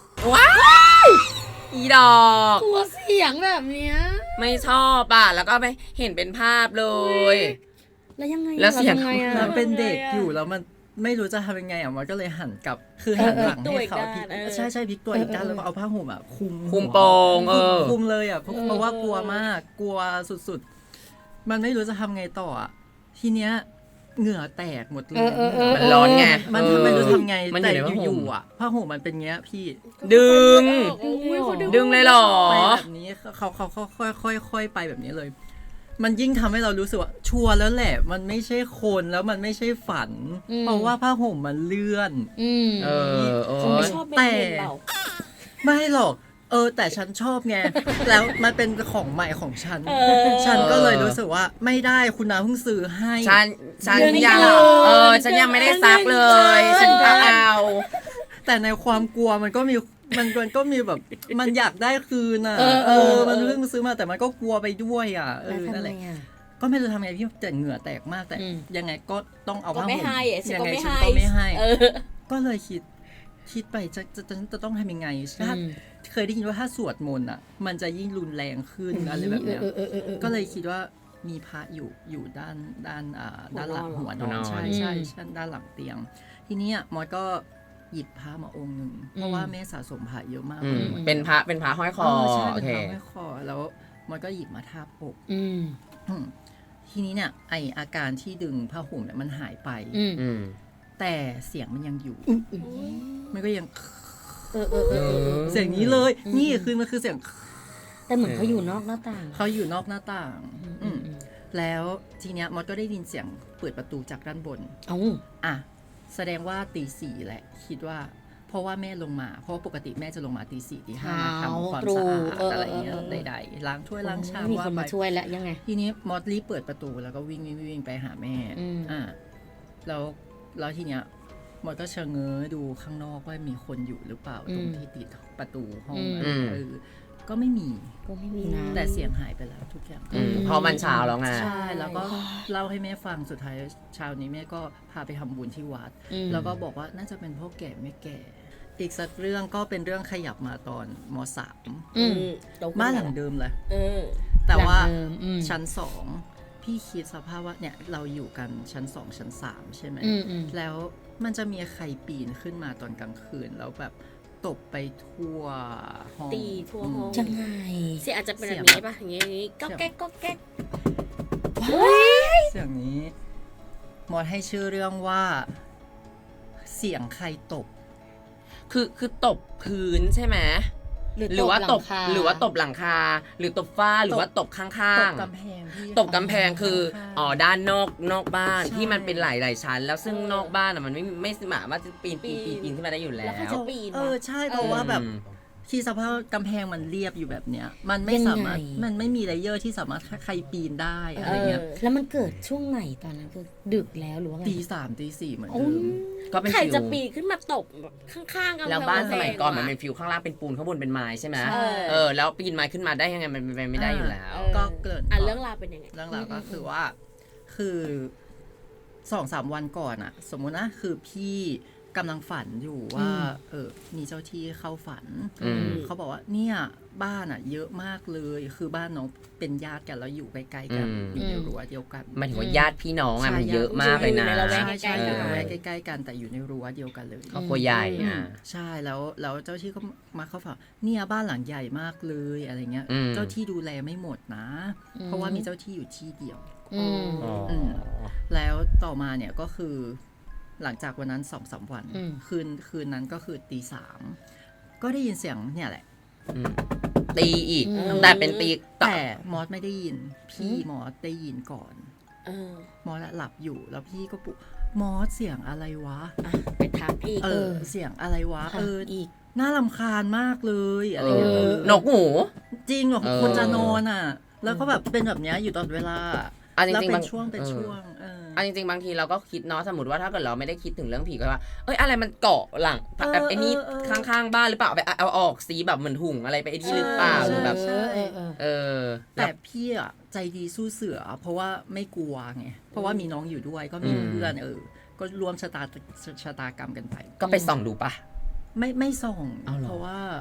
Speaker 2: อีดอก
Speaker 3: กลัวเสียงแบบเนี้ย
Speaker 2: ไม่ชอบอ่ะ แล้วก็ไปเห็นเป็นภาพเลย
Speaker 3: แล้วยังไง
Speaker 2: แล้วเสียง
Speaker 3: ราทำไงอะ
Speaker 1: มันเป็นเด็กอยู่แล้วมันไม่รู้จะทำยังไงอ่ะมันก็เลยหันกลับคือหันหลังให้เขาพลิกใช่ใช่พลิกตัวอีกด้านแล้วก็เอาผ้าห่มอ่ะคุม
Speaker 2: คุมโปงเออ
Speaker 1: คุมเลยอ่ะเพราะเพราะว่ากลัวมากกลัวสุดๆมันไม่รู้จะทำไงต่ออ่ะทีเนี้ยเหงื่อแตกหมดเลย
Speaker 2: มันร้อนไง
Speaker 1: มันทำไม่รู้ทำไง
Speaker 2: มันอ
Speaker 1: แต่
Speaker 2: ยู่ในผ้าห่ม
Speaker 1: อยู่ๆอ่ะผ้าห่มมันเป็นเงี้ยพี่
Speaker 2: ดึง
Speaker 4: อุ้ยเขาดึง
Speaker 2: ดึงเลยเหรอ
Speaker 1: ไปแบบนี้เขาเขาเขาค่อยค่อยค่อยไปแบบนี้เลย มันยิ่งทำให้เรารู้สึกว่าชัวร์แล้วแหละ มันไม่ใช่คนแล้วมันไม่ใช่ฝัน เพราะว่าผ้าห่มมันเลื่อน
Speaker 3: อืม
Speaker 2: เออเอ
Speaker 4: เขา
Speaker 2: อ
Speaker 4: ไม่ชอบเป็นเห็นเรา
Speaker 1: ไม่หรอก เออ แต่ฉันชอบไง แล้วมันเป็นของใหม่ของฉัน
Speaker 4: เออ
Speaker 1: ฉันก็เลยรู้สึกว่าไม่ได้คุณน้าเพิ่งซื้อให้
Speaker 2: ฉันฉัน
Speaker 4: เดือนนี้
Speaker 2: ยัง
Speaker 4: เลย
Speaker 2: เออฉันยังไม่ได้ซักเลย ฉันก็เอา
Speaker 1: แต่ในความกลัวมันก็มีมันมันก็มีแบบมันอยากได้คืนอ่ะ
Speaker 3: เออเออ
Speaker 1: มันเพิ่งซื้อมาแต่มันก็กลัวไปด้วยอ่ะเอ
Speaker 3: แล้ว
Speaker 1: อ
Speaker 3: ทำ
Speaker 1: นั่นแห
Speaker 3: ไง
Speaker 1: ละ
Speaker 3: อ่ะ
Speaker 1: ก็ไม่รู้ทำไงพี่แต่เหงื่อแตกมากแต่
Speaker 3: อืม
Speaker 1: ยังไงก็ต้องเอา
Speaker 4: ก็
Speaker 1: ผ้า
Speaker 4: ไม่
Speaker 1: ห่ม
Speaker 4: ให้อะฉัน
Speaker 1: ยั
Speaker 4: ก็
Speaker 1: ไง
Speaker 4: ไม่
Speaker 1: ฉัน
Speaker 4: ให้
Speaker 1: ก็ไม่ให้
Speaker 4: เออ
Speaker 1: ก็เลยคิดคิดไปจะจะจะจะต้องทำยังไงถ้า
Speaker 3: อืม
Speaker 1: เคยได้ยินว่าถ้าสวดมนต์อ่ะ มันจะยิ่งรุนแรงขึ้นอะไรแบบเนี้ย
Speaker 3: เออเออเออเออ
Speaker 1: ก็เลยคิดว่ามีพระอยู่อยู่ด้านด้านอ่าด้านหลัง
Speaker 4: หั
Speaker 1: หั
Speaker 4: ว
Speaker 1: วน น
Speaker 4: อ
Speaker 1: อน นใช่ใช่
Speaker 3: อืม
Speaker 1: ใช่ด้านหลังเตียง ทีเนี้ยมอสก็หยิบพระมาองค์หนึ่งเพราะว่าแม่สะสมพระเยอะมาก
Speaker 2: อืม
Speaker 1: ลย
Speaker 2: เป็นพระเป็นพระห้อยคอ
Speaker 1: เใช่
Speaker 2: โอ
Speaker 1: เป็น
Speaker 2: เค
Speaker 1: พระห้อยคอแล้วมอสก็หยิบมาทาบอก
Speaker 3: อืม
Speaker 1: อืมทีนี้เนี่ยไออาการที่ดึงผ้าห่มเนี่ยมันหายไป
Speaker 3: อืม
Speaker 2: อืม
Speaker 1: แต่เสียงมันยังอยู่ มันก็ยัง
Speaker 3: เออเออเออเออเออ
Speaker 1: เสียงนี้เลย นี่คือมันคือเสียง
Speaker 3: แต่เหมือนเขาอยู่นอกหน้าต่าง
Speaker 1: เขาอยู่นอกหน้าต่าง
Speaker 3: อืม
Speaker 1: อืมแล้วทีเนี้ยมอสก็ได้ยินเสียงเปิดประตูจากด้านบน
Speaker 3: เอ้า
Speaker 1: อ่ะแสดงว่าตีสี่แหละคิดว่า เพราะว่าแม่ลงมา เพราะว่าปกติแม่จะลงมาตีสี่ตีห้ามาทำความสะอาดอะไรเงี้ยใดๆล้างถ้วยล้างชาม
Speaker 3: มี
Speaker 1: ว่า
Speaker 3: คน
Speaker 1: ไป
Speaker 3: มาช่วยแล้วยังไง
Speaker 1: ทีนี้มอสรีบเปิดประตูแล้วก็วิ่งวิ่งวิ่งไปหาแม่
Speaker 3: อืม
Speaker 1: อ่าแล้วแล้วทีเนี้ยมอสก็เชะเง้อดูข้างนอกว่ามีคนอยู่หรือเปล่าตรงที่ติดประตูห้อง
Speaker 2: อืม
Speaker 1: เออก็ไม่มี
Speaker 3: ก็ไม่มีนะ
Speaker 1: แต่เสียงหายไปแล้วทุกอย่าง
Speaker 2: อืมเพราะมันเช้าแล้วไง
Speaker 1: ใช่แล้วก็เล่าให้แม่ฟังสุดท้ายเช้านี้แม่ก็พาไปทำบุญที่วัด
Speaker 3: อืม
Speaker 1: แล้วก็บอกว่าน่าจะเป็นพ่อแก่แม่แก่ อีกสักเรื่องก็เป็นเรื่องขยับมาตอนมสาม
Speaker 3: อืม
Speaker 1: บ้านหลังเดิมเลย
Speaker 4: เออ
Speaker 1: แต่ว่า
Speaker 3: หลังเดิมอืม
Speaker 1: ชั้นสองพี่คิดสภาพว่าเนี่ยเราอยู่กันชั้นสองชั้นสามใช่ไหม
Speaker 3: อืมอืม
Speaker 1: แล้วมันจะมีใครปีนขึ้นมาตอนกลางคืนแล้วแบบตบไปทั่วห้อง
Speaker 4: ตีทั่วห้อง
Speaker 3: จังไง
Speaker 4: เสียงอาจจะเป็นแบบนี้ป่ะอย่างงี้อย่างงี้ก็แก๊กก็แก๊ก
Speaker 1: เสียงนี้มอดให้ชื่อเรื่องว่าเสียงใครตบ
Speaker 2: คือคือตบพื้นใช่ไหม
Speaker 3: หรือ
Speaker 2: หรือว่าตบ
Speaker 3: หลังคา
Speaker 2: หรือว่าตบหลังคา หรือตบฝ้าหรือว่าตบข้าง
Speaker 1: ตบ
Speaker 2: ๆ
Speaker 1: กำแพงพี่
Speaker 2: ตบกำแพงคือ
Speaker 1: ข้างๆ
Speaker 2: อ๋อด้านนอกนอกบ้าน
Speaker 1: ใช่
Speaker 2: ที่มันเป็นหลายๆชั้น แล้วซึ่งนอกบ้านอ่ะมันไม่ไม่สามารถจะปีนปีนปีนปีนขึ้นมาได้อยู่แล้
Speaker 4: แล้วใคร
Speaker 2: ว
Speaker 4: จะปีน
Speaker 1: เอ
Speaker 4: วะ
Speaker 1: อใช่เพราะว่าแบบ
Speaker 2: อืม
Speaker 1: ที่สภาพกำแพงมันเรียบอยู่แบบเนี้ย มันไม่
Speaker 3: ยังไง
Speaker 1: สามารถมันไม่มีเลเยอร์ที่สามารถใครปีนได้อะไรเงี้ย
Speaker 4: เออ
Speaker 3: แล้วมันเกิดช่วงไหนตอนนั้นคือดึกแล้วหรือว่าไง
Speaker 1: ตีสามตีสี่เหมือน
Speaker 3: โอ้
Speaker 1: เดิ
Speaker 3: ย
Speaker 1: ม
Speaker 2: ก็เป็น
Speaker 4: ใคร
Speaker 2: ฟิว
Speaker 4: จะปีนขึ้นมาตบแบบข้างๆกัน
Speaker 2: แล้วบ้านสมัยก่อน
Speaker 4: แพง
Speaker 2: มันเป็นฟิวข้างล่างเป็นปูนข้างบนเป็นไม้ใช่ไหม
Speaker 1: ใช่
Speaker 2: เออแล้วปีนไม้ขึ้นมาได้ยังไงมันเป็นไปไม่ได้อยู่แล้ว
Speaker 4: เออ
Speaker 1: ก็เกิด
Speaker 4: อ่ะเรื่องราวเป็นยังไง
Speaker 1: เรื่องราวก็คือว่าคือสองสามวันก่อนอะสมมุตินะคือพี่กำลังฝันอยู่ว่า
Speaker 3: อืม
Speaker 1: เออมีเจ้าที่เข้าฝัน
Speaker 2: อืม
Speaker 1: เขาบอกว่าเนี่ยบ้านอะเยอะมากเลย คือบ้านน้องเป็นญาติกันแล้วอยู่ใกล้ๆกัน
Speaker 2: อืม
Speaker 1: อยู่ในรั้วเดียวกัน
Speaker 2: หมายถึงว่าญาติพี่น้องอ่ะ
Speaker 1: ใช่
Speaker 2: มันเยอะมากเลยนะ
Speaker 4: อยู่ในละแวก
Speaker 1: ใช่ใช่
Speaker 4: ใกล้ๆ
Speaker 1: อยู่
Speaker 4: กัน
Speaker 1: ในระแวกใกล้ๆกันแต่อยู่ในรั้วเดียวกันเลย
Speaker 2: ครอบครัวใหญ่อ่ะ
Speaker 1: ใช่แล้วแล้วเจ้าที่ก็มาเข้าฝันเนี่ยบ้านหลังใหญ่มากเลยอะไรเงี้ย
Speaker 2: อืม
Speaker 1: เจ้าที่ดูแลไม่หมดนะ เพราะว่ามีเจ้าที่อยู่ที่เดียว
Speaker 3: อืม
Speaker 2: อ๋ออ
Speaker 1: ม แล้วต่อมาเนี่ยก็คือ หลังจากวันนั้นสองสามวัน
Speaker 3: อืม
Speaker 1: คืนคืนนั้นก็คือตีสามก็ได้ยินเสียงเนี่ยแหละ
Speaker 2: อืมตีอีก
Speaker 3: อืม
Speaker 2: แต่เป็นตี
Speaker 1: แต่มอสไม่ได้ยิน พี่มอสได้ยินก่อน
Speaker 4: เออ
Speaker 1: มอสอะหลับอยู่แล้วพี่ก็ปลุกมอสเสียงอะไรวะ
Speaker 4: อ่ะไปถามพี่
Speaker 1: เอ
Speaker 3: เอ
Speaker 1: อ
Speaker 3: อ
Speaker 1: เสียงอะไรวะ
Speaker 3: ค่ะ
Speaker 1: เออ
Speaker 3: อีก
Speaker 1: น่ารำคาญมากเลยอะไร
Speaker 2: เอ
Speaker 1: เงี้ย
Speaker 2: อ
Speaker 1: เออ
Speaker 2: นกหู
Speaker 1: จริงหรอ
Speaker 2: เออ
Speaker 1: คนจะนอนอ่ะ แล้วก็แบบเป็นแบบเนี้ยอยู่ตลอดเวลา
Speaker 2: อ่ะจ
Speaker 1: แล้ว
Speaker 2: ริงๆ
Speaker 1: เป็
Speaker 2: บาน ง
Speaker 1: ช่วงเป็น
Speaker 2: เออ
Speaker 1: ช่วงเออ
Speaker 2: อันจริงๆบางทีเราก็คิดเนาะสมมติว่าถ้าเกิดเราไม่ได้คิดถึงเรื่องผีก็ว่า เอ้ยอะไรมันเกาะหลัง
Speaker 1: เออ
Speaker 2: แบบไอ้นี่
Speaker 1: เออเออ
Speaker 2: ข้างๆบ้านหรือเปล่าไปเอาออกสีแบบเหมือนถุงอะไรไปไอ้ที่หรือเปล่าหรือแบบ
Speaker 1: ใช่
Speaker 3: เออเออ
Speaker 2: เออ
Speaker 1: แต่พี่อ่ะใจดีสู้เสือ เพราะว่าไม่กลัวไงเพราะว่ามีน้องอยู่ด้วยก็มี
Speaker 2: อืม
Speaker 1: เพื่อนเออ ก็รวมชะตาชะตากรรมกันไป
Speaker 2: ก็ไปส่องดูปะ
Speaker 1: ไม่ไม่ส่อง
Speaker 2: เอาเหรอ
Speaker 1: เพราะว่า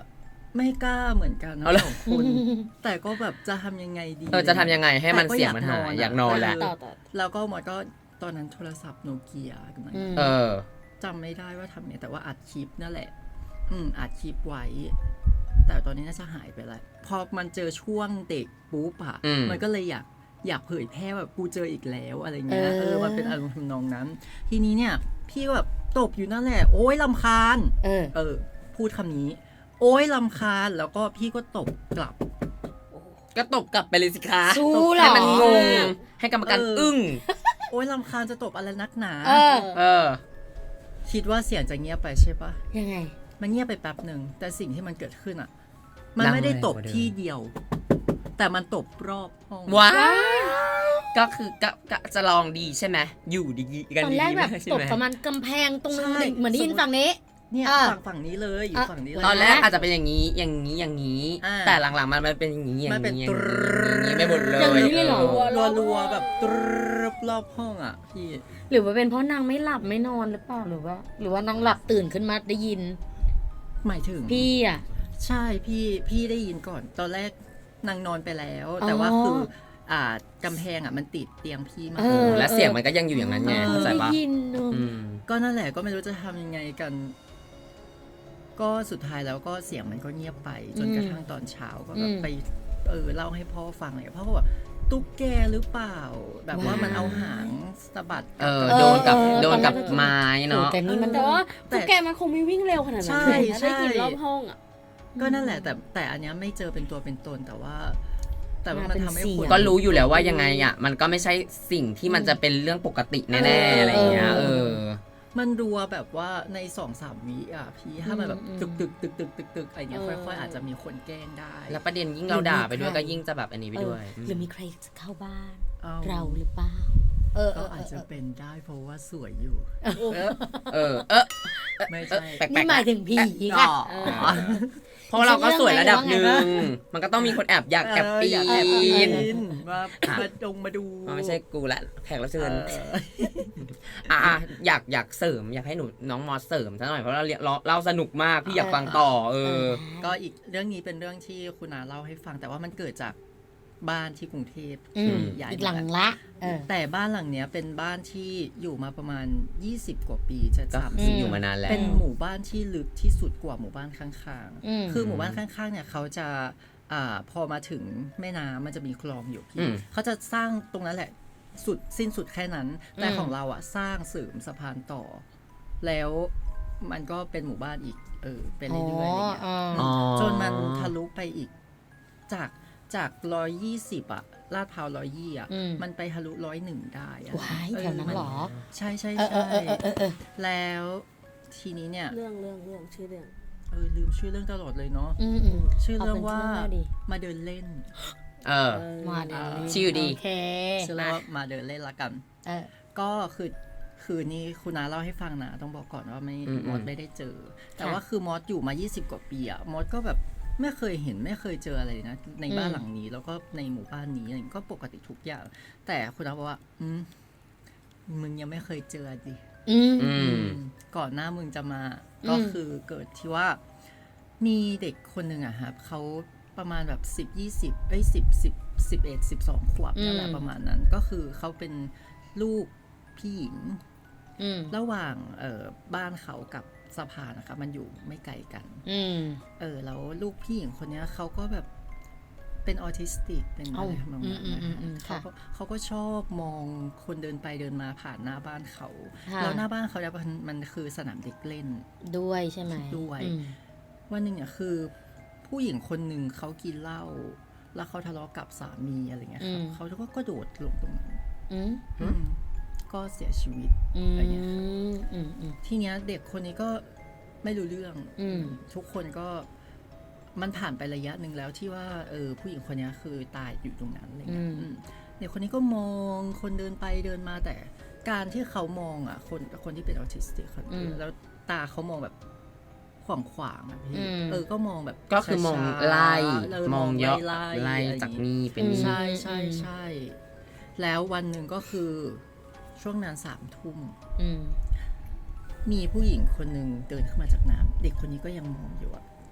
Speaker 1: ไม่กล้าเหมือนกันนะ
Speaker 2: เอาเหรอ
Speaker 1: สองคนแต่ก็แบบจะทำยังไงดี
Speaker 2: เออจะทำยังไงให้มัน
Speaker 1: แต่ก็
Speaker 2: เสียงมันหายอยากนอนแหละ
Speaker 1: เ
Speaker 4: ต่อต่อ
Speaker 1: แล้วก็หมดก็ตอนนั้นโทรศัพท์โนเกียกำลัง
Speaker 3: อืม
Speaker 2: เออ
Speaker 1: จำไม่ได้ว่าทำไงแต่ว่าอัดคลิปนั่นแหละ อืมอัดคลิปไว้ แต่ตอนนี้น่าจะหายไปแล้วพอมันเจอช่วงเด็กปุ๊บอะ
Speaker 2: อืม
Speaker 1: มันก็เลยอยากอยากเผยแพร่แบบกูเจออีกแล้วอะไรเงี้ย
Speaker 3: เออ
Speaker 1: เออมันเป็นอารมณ์ทำนองนั้น ทีนี้เนี่ย พี่ก็แบบตบอยู่นั่นแหละ โอ๊ยลำคาญ
Speaker 3: เออ
Speaker 1: เออ พูดคำนี้ โอ๊ยลำคาญแล้วก็พี่ก็ตบกลับ
Speaker 2: ก็ตบกลับไปเลยสิคะ
Speaker 3: สู้เหรอ
Speaker 2: ให้มันงงให้กรรมการ
Speaker 1: เอออึ้
Speaker 2: อึ้ง
Speaker 1: โอ๊ยลำคาญจะตบอะไรนักหนา
Speaker 3: เออ
Speaker 2: เออ
Speaker 1: คิดว่าเสียงจะเงียบไปใช่ปะ
Speaker 3: ยังไง
Speaker 1: มันเงียบไปแป๊บหนึ่งแต่สิ่งที่มันเกิดขึ้นอ่ะ มัน
Speaker 2: ดัง
Speaker 1: ไม่ได้ตบ
Speaker 2: แรงกว่าเดิม
Speaker 1: ที่เดียว แต่มันตบรอบห้อง
Speaker 2: ว้าวก็คือก็ก็จะลองดีใช่ไหมอยู่ดีกัน
Speaker 3: ตอน
Speaker 2: ดี
Speaker 3: แรกแบบ
Speaker 2: ใช่
Speaker 3: ตบ
Speaker 2: ไหม
Speaker 3: ประมาณกำแพงตรงนึง
Speaker 1: ใช่
Speaker 3: เหมือนได้ยินฝั่งนี้
Speaker 1: เนี่ย
Speaker 3: อ่ะ
Speaker 1: ฝั่งฝั่งนี้เลยอยู่
Speaker 3: อ่ะ
Speaker 1: ฝั่งนี้เลย
Speaker 2: ตอนแรกอาจจะเป็นอย่างนี้อย่างนี้อย่างนี้
Speaker 1: อ่า
Speaker 2: แต่หลังๆมันมันเป็นอย่างนี้อย่าง
Speaker 1: มันเป็น
Speaker 2: นี้อย่าง
Speaker 1: ตรึ๊
Speaker 2: นี้
Speaker 1: ด
Speaker 2: อย่างนี้ไม่หมดเลย
Speaker 3: อย่างนี้เลยเหรอ
Speaker 1: รัวรัวๆแบบตรึบรอบห้องอ่ะพี่
Speaker 3: หรือว่าเป็นเพราะนางไม่หลับไม่นอนหรือเปล่าหรือว่า หรือว่านางหลับตื่นขึ้นมาได้ยิน
Speaker 1: หมายถึง
Speaker 3: พี่อ่ะ
Speaker 1: ใช่พี่พี่ได้ยินก่อน ตอนแรกนางนอนไปแล้ว
Speaker 3: อ๋อ
Speaker 1: แต่ว่าคืออ่ากำแพงอ่ะมันติดเตียงพี่มา
Speaker 3: เออ
Speaker 2: และเสียงมันก็ยังอยู่อย่างนั้นไง
Speaker 1: เออ
Speaker 2: เข้าใจ
Speaker 3: ได้
Speaker 2: ปะ
Speaker 3: ยินเนอะ
Speaker 2: อืม
Speaker 1: ก็นั่นแหละก็ไม่รู้จะทำยังไงกัน ก็สุดท้ายแล้วก็เสียงมันก็เงียบไป จนกระทั่งตอนเช้าก็แบบไปเออเล่าให้พ่อฟังเลยพ่อก็บอกตุ๊กแกหรือเปล่า แบบว่ามันเอาหางสะบัด
Speaker 2: เออ
Speaker 1: บ
Speaker 2: โดนกับ
Speaker 3: เออ
Speaker 2: โดนกับ
Speaker 3: ตอนแรก
Speaker 2: ไม้
Speaker 3: โอ้
Speaker 2: เนาะ
Speaker 3: แต่นี่มัน
Speaker 4: แต่ว่า
Speaker 1: แต่
Speaker 4: ตุ๊กแกมันคงไม่วิ่งเร็วขนาดนั้น
Speaker 1: ใช่
Speaker 4: เลยนะ
Speaker 1: ใช่
Speaker 4: ได้กินรอบห้องอ่ะ
Speaker 1: ก็นั่นแหละ แต่แต่อันเนี้ยไม่เจอเป็นตัวเป็นตนแต่ว่า แต่ว่า
Speaker 3: มา
Speaker 1: มัน
Speaker 3: เป็น
Speaker 1: ทำให้
Speaker 3: เสียง
Speaker 1: คน
Speaker 2: ก็รู้อยู่แล้วว่ายังไงอ่ะมันก็ไม่ใช่สิ่งที่มันจะเป็นเรื่องปกติแน่ๆอะไรอย่างเงี้ย
Speaker 3: เอ
Speaker 2: เอ
Speaker 3: อ
Speaker 2: อ
Speaker 1: มันรัวแบบว่าในสองสามวิอ่ะพี่ถ้ามันแบบ
Speaker 3: อืม
Speaker 1: ตึกตึกตึกตึกตึกตึกอะไรเงี้ย
Speaker 4: เออ
Speaker 1: ค่อยๆอาจจะมีคนแกล้งได้
Speaker 2: แล้วประเด็นยิ่งเราด่าไปด้วยก็ยิ่งจะแบบอันนี้ไปด้วย
Speaker 3: เออหรือมีใครจะเข้าบ้าน
Speaker 1: อ้
Speaker 3: เราหรือเปล่า เออเอ
Speaker 1: ก็
Speaker 3: อเอ
Speaker 1: อาจ
Speaker 3: อ
Speaker 1: จะ
Speaker 3: เออ
Speaker 1: เป็นได้เพราะว่าสวยอยู่
Speaker 2: เออเออเออ
Speaker 1: ไม่ใช่
Speaker 2: แปลกๆ
Speaker 3: นี่หมายถึงผี
Speaker 1: อ๋
Speaker 3: ค่ะ
Speaker 1: อ
Speaker 2: เพราะเราก็สวยระดับหนึ่
Speaker 3: เรื่อง
Speaker 2: ง
Speaker 3: ไงวะ
Speaker 2: มันก็ต้องมีคนแอบอยากแอบปี
Speaker 1: เอยากแอบปี
Speaker 2: น
Speaker 1: นว่ามาดงมาดู
Speaker 2: มันไม่ใช่กูละแขกรับเชิญ
Speaker 1: เออ
Speaker 2: อ่ะอ่ะอยากอยากเสริมอยากให้หนูน้องมอสเสริมซะหน่อยเพราะเราเรียนเราเราสนุกมากพี่อยากฟังต่อ เออ
Speaker 1: ก็อีกเรื่องนี้เป็นเรื่องที่คุณอาเล่าให้ฟัง แต่ว่ามันเกิดจากบ้านที่กรุงเทพ
Speaker 3: อืม
Speaker 1: ใหญ่
Speaker 3: อีกหลังละเออ
Speaker 1: แต่บ้านหลังเนี้ยเป็นบ้านที่อยู่มาประมาณยี่สิบกว่าปีจะ
Speaker 2: ก็
Speaker 1: สาม
Speaker 2: คื
Speaker 1: สิ
Speaker 2: อบ อยู่มานานแล้ว
Speaker 1: เป็นหมู่บ้านที่ลึกที่สุดกว่าหมู่บ้านข้าง
Speaker 3: อืม
Speaker 1: ๆ คือหมู่บ้านข้างๆเนี่ยเขาจะอ่าพอมาถึงแม่น้ำมันจะมีคลองอยู่
Speaker 2: อื
Speaker 1: พี่
Speaker 2: ม
Speaker 1: เขาจะสร้างตรงนั้นแหละสุดสิ้นสุดแค่นั้น แต่
Speaker 3: อืม
Speaker 1: ของเราอ่ะสร้างเสริมสะพานต่อ แล้วมันก็เป็นหมู่บ้านอีกเออไปเรื่อยๆอะไรเงี้ย
Speaker 3: อ๋อ
Speaker 2: อ๋อ
Speaker 1: จนมันทะลุไปอีกจากจากร้อยยี่สิบอะลาดพร้าวร้อยยี่อะ
Speaker 3: อืม
Speaker 1: มันไปทะลุร้อยหนึ่งได้อะ
Speaker 3: ว้ายแถวนั้นเหรอ
Speaker 1: ใช่ใช่
Speaker 3: เออเอ
Speaker 1: ใช่
Speaker 3: อเออเออเออ
Speaker 1: แล้วทีนี้เนี่ย
Speaker 4: เรื่องเรื่องเรื่องชื่อเรื่อง
Speaker 1: เออลืมชื่อเรื่องตลอดเลยเนาะ
Speaker 3: อืมอืม
Speaker 1: ชื่อเรื่องว่า
Speaker 3: เอาเป็นชื่อเรื่องดี
Speaker 1: มาเดินเล่น
Speaker 2: เออ
Speaker 3: มาเดี๋ยวนี้
Speaker 2: ชื่อดี
Speaker 3: โอเค
Speaker 1: ชื่อเรื่องว่ามาเดินเล่นละกัน
Speaker 3: เออ
Speaker 1: ก็คือคือนี่คุณน้าเล่าให้ฟังนะต้องบอกก่อนว่าไม่
Speaker 2: อืม
Speaker 1: มอสไม่ได้เจอ แต่ว่าคือมอสอยู่มายี่สิบกว่าปีอะมอสก็แบบไม่เคยเห็นไม่เคยเจออะไรนะ ในบ้าน
Speaker 3: อืม
Speaker 1: หลังนี้ แล้วก็ในหมู่บ้านนี้อะไรก็ปกติทุกอย่าง แต่คุณน้าบอกว่า อืมมึงยังไม่เคยเจอดิ
Speaker 3: อืม
Speaker 2: อืม
Speaker 1: ก่อนหน้ามึงจะมา
Speaker 3: อืม
Speaker 1: ก็คือเกิดที่ว่า มีเด็กคนหนึ่งอะครับเขาประมาณแบบสิบยี่สิบเอ้ยสิบสิบสิบเอ็ดสิบสองขวบนั่นแหละประมาณนั้น ก็คือเขาเป็นลูกพี่หญิง
Speaker 3: อืม
Speaker 1: ระหว่างเอ่อบ้านเขากับสะพานนะคะมันอยู่ไม่ไกลกัน
Speaker 3: อืม
Speaker 1: เออแล้วลูกพี่หญิงคนเนี้ยเขาก็แบบเป็นออทิสติกเป็นอะไร
Speaker 3: เอ้า
Speaker 1: ทำนองนั้น
Speaker 3: อืม
Speaker 1: นะ
Speaker 3: อืมอืม
Speaker 1: คะเขา
Speaker 3: ค่ะ
Speaker 1: ก็เขาก็ชอบมองคนเดินไปเดินมาผ่านหน้าบ้านเขา
Speaker 3: ค่ะ
Speaker 1: แล้วหน้าบ้านเขาเนี่ยมันมันคือสนามเด็กเล่น
Speaker 3: ด้วยใช่ไหม
Speaker 1: ด้วย
Speaker 3: อืม
Speaker 1: วันหนึ่งเนี่ยคือผู้หญิงคนหนึ่งเขากินเหล้าแล้วเขาทะเลาะกับสามีอะไรเงี้ยครับเขาก็กระโดดลงตรงนั้น
Speaker 3: อืม
Speaker 1: อืมก็เสียชีวิต
Speaker 3: อืม
Speaker 1: อะไรเงี้ยครับ
Speaker 3: อืมอืม
Speaker 1: ทีเนี้ยเด็กคนนี้ก็ไม่รู้เรื่อง
Speaker 3: อืม
Speaker 1: ทุกคนก็มันผ่านไประยะหนึ่งแล้วที่ว่าเออผู้หญิงคนนี้คือตายอยู่ตรงนั้นอะไรเงี้ย
Speaker 3: อืม
Speaker 1: อืมเด็กคนนี้ก็มองคนเดินไปเดินมาแต่การที่เขามองอ่ะ คนคนที่เป็นออทิสติกคนแล้วตาเขามองแบบขวางขวางๆอะพี่เออก็มองแบบ
Speaker 2: ก็คือมอง
Speaker 1: ช้าๆ
Speaker 2: ไล่
Speaker 1: เ
Speaker 2: มองเยอะ
Speaker 1: ไล่
Speaker 2: ไล่
Speaker 1: อะไรอย่
Speaker 2: จาก
Speaker 1: งงี้
Speaker 2: นี่เป็นนี่
Speaker 1: ใช่ใช่ใช่แล้ววันหนึ่งก็คือช่วงนั้นสามทุ่ม
Speaker 3: อืม
Speaker 1: มีผู้หญิงคนหนึ่งเดินขึ้นมาจากน้ำเด็กคนนี้ก็ยังมองอยู่อะ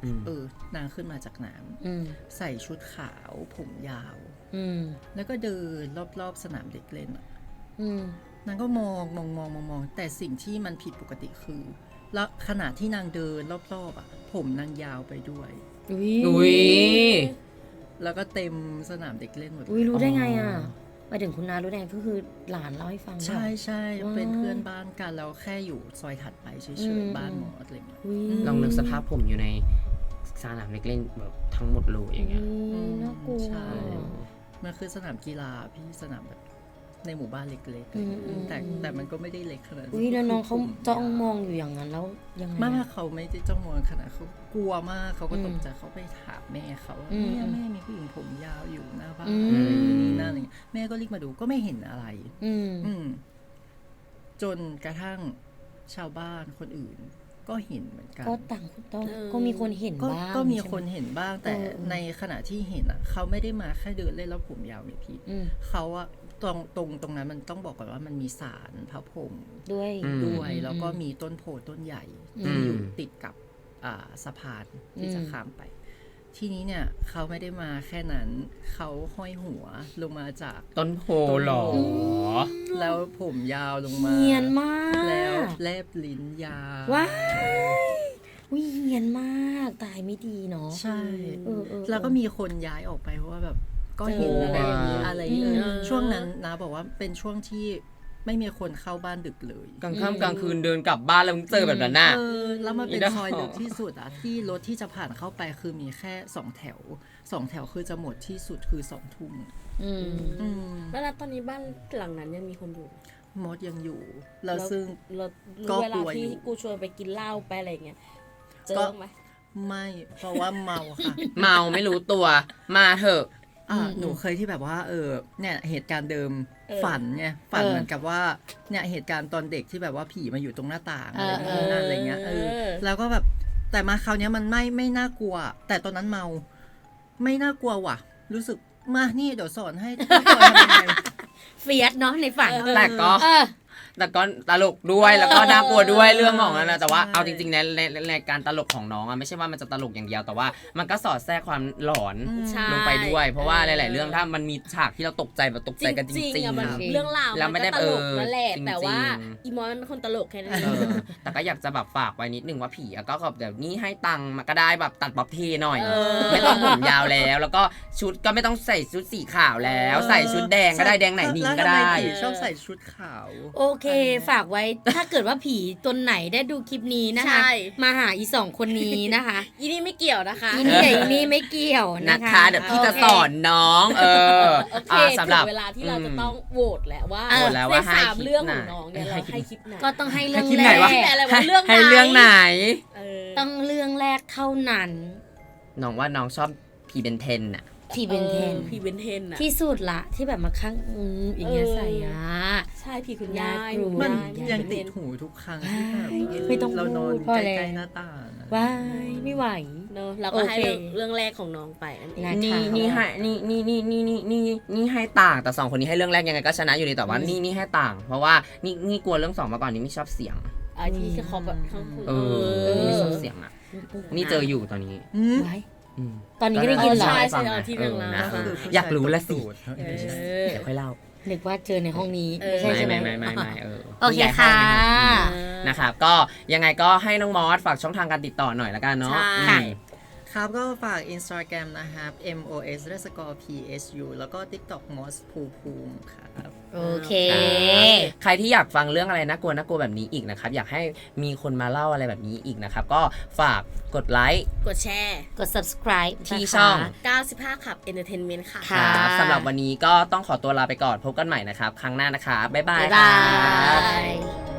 Speaker 1: เออนางขึ้นมาจากน้ำใส่ชุดขาวผมยาวแล้วก็เดินรอบๆสนามเด็กเล่นอ่ะนางก็มองมองมองมองมองแต่สิ่งที่มันผิดปกติคือแล้วขณะที่นางเดินรอบๆอ่ะผมนางยาวไปด้วย
Speaker 2: อุ้ย
Speaker 1: แล้วก็เต็มสนามเด็กเล่นหมด
Speaker 3: อุ้ยรู้ได้ไงอ่ะไปถึงคุณนารู้ได้ก็คือหลานเล่าให้ฟัง
Speaker 1: ใช่ใช่เป็นเพื่อนบ้านกันแล้วแค่อยู่ซอยถัดไปเฉยๆบ้านหมออะไรเงี้ย
Speaker 2: ลองนึกสภาพผมอยู่ในสนามเด็กเล่นแบบทั้งหมดเลยอย่างเงี้ย
Speaker 3: น่ากลัว
Speaker 1: ใช่มันคือสนามกีฬาพี่สนามแบบในหมู่บ้านเล็กๆแต่แต่มันก็ไม่ได้เล็กขนาดนั้น
Speaker 3: อุ้ยแล้วน้องเขาจ้องมองอยู่อย่างนั้นแล้วยังไง
Speaker 1: มากเขาไม่ได้จ้องมองขนาดเขากลัวมากเขาก็ตกใจเขาไปถามแม่เขาว่าเนี่ยแม่มีผู้หญิงผมยาวอยู่หน้าบ้านนี่นั่นอะไรแม่ก็รีบมาดูก็ไม่เห็นอะไรอืมจนกระทั่งชาวบ้านคนอื่นก็เห็นเหมือนกัน
Speaker 3: ก็ต่างต้องก็มีคนเห็นบ้าง
Speaker 1: ก็มีคนเห็นบ้างแต่ในขณะที่เห็นอ่ะเขาไม่ได้มาแค่เดินเล่นแล้วผมยาวนี่พี่เขาอะตรงตรงตรงนั้นมันต้องบอกก่อนว่ามันมีศาลพระพรหม
Speaker 3: ด้วย
Speaker 1: ด้วยแล้วก็มีต้นโพต้นใหญ่ที่อยู่ติดกับสะพานที่จะข้ามไปทีนี้เนี่ยเขาไม่ได้มาแค่นั้นเขาห้อยหัวลงมาจาก
Speaker 2: ต้นโพหรอ
Speaker 1: แล้วผมยาวลงมา
Speaker 3: เนียนมาก
Speaker 1: แล้วแลบลิ้นยาว
Speaker 3: ว้ายวิเนียนมากตายไม่ดีเนาะ
Speaker 1: ใช่แล้วก็มีคนย้ายออกไปเพราะว่าแบบก็เห็นอะไรอะไรเลยช่วงนั้นนะบอกว่าเป็นช่วงที่ไม่มีคนเข้าบ้านดึกเลย
Speaker 2: กลางค่ำกลางคืนเดินกลับบ้านแล้วเจอแบบนั้นน่ะ
Speaker 1: แล้วมันเป็นซอยลึกที่สุดอ่ะที่รถที่จะผ่านเข้าไปคือมีแค่สองแถวสองแถวคือจะหมดที่สุดคือสองทุ่ม
Speaker 4: แล้วตอนนี้บ้านหลังนั้นยังมีคนอยู่
Speaker 1: มดยังอยู่แล้วซึ่ง
Speaker 4: ก็เวลาที่กูชวนไปกินเหล้าไปอะไรเงี้ยเจอไหม
Speaker 1: ไม่เพราะว่าเมาค่ะ
Speaker 2: เมาไม่รู้ตัวมาเถอะ
Speaker 1: อ่าหนูเคยที่แบบว่าเออเนี่ยเหตุการณ์เดิมฝันไงฝันเหมือนกับว่าเนี่ยเหตุการณ์ตอนเด็กที่แบบว่าผีมาอยู่ตรงหน้าต่างอะไรอย่างเงี้ยอะไรเงี้ยเออแล้วก็แบบแต่มาคราวนี้มันไม่ไม่น่ากลัวแต่ตอนนั้นเมาไม่น่ากลัวว่ะรู้สึกมานี่เดี๋ยวสอนให้ทำยังไง
Speaker 3: เฟียสเนาะในฝัน
Speaker 2: แต่ก็แต่ก็ตลกด้วยแล้วก็น่ากลัวด้วยเรื่องของนั้นนะแต่ว่าเอาจริงๆในในการตลกของน้องอ่ะไม่ใช่ว่ามันจะตลกอย่างเดียวแต่ว่ามันก็สอดแทรกความหลอนลงไปด้วยเพราะว่าหลายๆเรื่องถ้ามันมีฉากที่เราตกใจแบบตกใจกันจริงๆ
Speaker 4: มันเรื่องราวมันก็ตลกนั่นแหละแต่ว่าอีมอนมันเป็นคนตลกแค่นั้นเอง
Speaker 2: แต่ก็อยากจะแบบฝากไว้นิดนึงว่าผีก็แบบเดี๋ยวนี้ให้ตังค์มาก็ได้แบบตัดบ๊อบเทหน่อยไม่ต้องผมยาวแล้วแล้วก็ชุดก็ไม่ต้องใส่ชุดสีขาวแล้วใส่ชุดแดงก็ได้แดงไหนนิ่งก็ได้
Speaker 1: ชอบใส่ชุดขาว
Speaker 3: โอเคฝากไว้ถ้าเกิดว่าผีตนไหนได้ดูคลิปนี้นะคะมาหาอีสองคนนี้นะคะ
Speaker 4: อีนี่ไม่เกี่ยวนะคะ
Speaker 3: อีนี่อีนี่ไม่เกี่ยว
Speaker 2: นะคะเดี๋ยวพี่จะสอนน้องเออ
Speaker 4: โอเคสำหรับเวลาที่เราจะต้องโหวตแล้วว่าในสามเรื่องของน้องเนี่ยเราให้คลิปไหน
Speaker 3: ก็ต้องให้เรื่องแรก
Speaker 2: ให้เรื่องไหน
Speaker 3: ต้องเรื่องแรกเท่านั้น
Speaker 2: น้องว่าน้องชอบผีเบนเทนน่ะ
Speaker 3: ผีเบนเทน
Speaker 4: ผีเบนเทนอะ
Speaker 3: ที่สุดละที่แบบมาข้างอืมอย่างเงี้ยใส่อะ
Speaker 4: ใช่ผีคุณยาย
Speaker 1: มันยังติดหูทุกครั้งที่แบบไม่ต้องเรานอนใกล้ๆหน้าต่าง
Speaker 3: ว้ายไม่ไหว
Speaker 4: เนอะเราก็ให้เรื่องแรกของน้องไป
Speaker 2: นี่นี่ให้นี่นี่นี่นี่นี่นี่นี่ให้ต่างแต่สองคนนี้ให้เรื่องแรกยังไงก็ชนะอยู่ดีแต่ว่านี่นี่ให้ต่างเพราะว่านี่นี่กลัวเรื่องสองมาก่อนนี่ไม่ชอบเสียง
Speaker 4: ไอ้ที่เขาแบบข้าง
Speaker 2: เออไม่ชอบเสียงอ่ะนี่เจออยู่ตอนนี้
Speaker 3: ตอนนี้ก็ได้ยินเหรอ
Speaker 4: ใช่ใช่ที่เรื่องราว
Speaker 2: อยากรู้ละสิเดี๋ยวค่อยเล่า
Speaker 3: นึกว่าเจอในห้องนี้ไม่ใช่ใช่ไหม
Speaker 2: ไม่ไม่ไม่เออ
Speaker 3: โอเคค่ะ
Speaker 2: นะครับก็ยังไงก็ให้น้องมอสฝากช่องทางการติดต่อหน่อยละกันเนาะ
Speaker 1: ครับก็ฝาก Instagram นะครับ m o s underscore p s u แล้วก็ TikTok mos ภูภูมิครับ
Speaker 3: โอเค
Speaker 2: ใครที่อยากฟังเรื่องอะไรน่ากลัวน่ากลัวแบบนี้อีกนะครับอยากให้มีคนมาเล่าอะไรแบบนี้อีกนะครับก็ฝากกดไลค์
Speaker 4: กดแชร์
Speaker 3: กด subscribe
Speaker 2: ที่ช่อง
Speaker 4: เก้าสิบห้าขับ Entertainment ค่ะ
Speaker 2: ครับสำหรับวันนี้ก็ต้องขอตัวลาไปก่อนพบกันใหม่นะครับครั้งหน้านะครับบ๊ายบาย
Speaker 3: บ๊ายบาย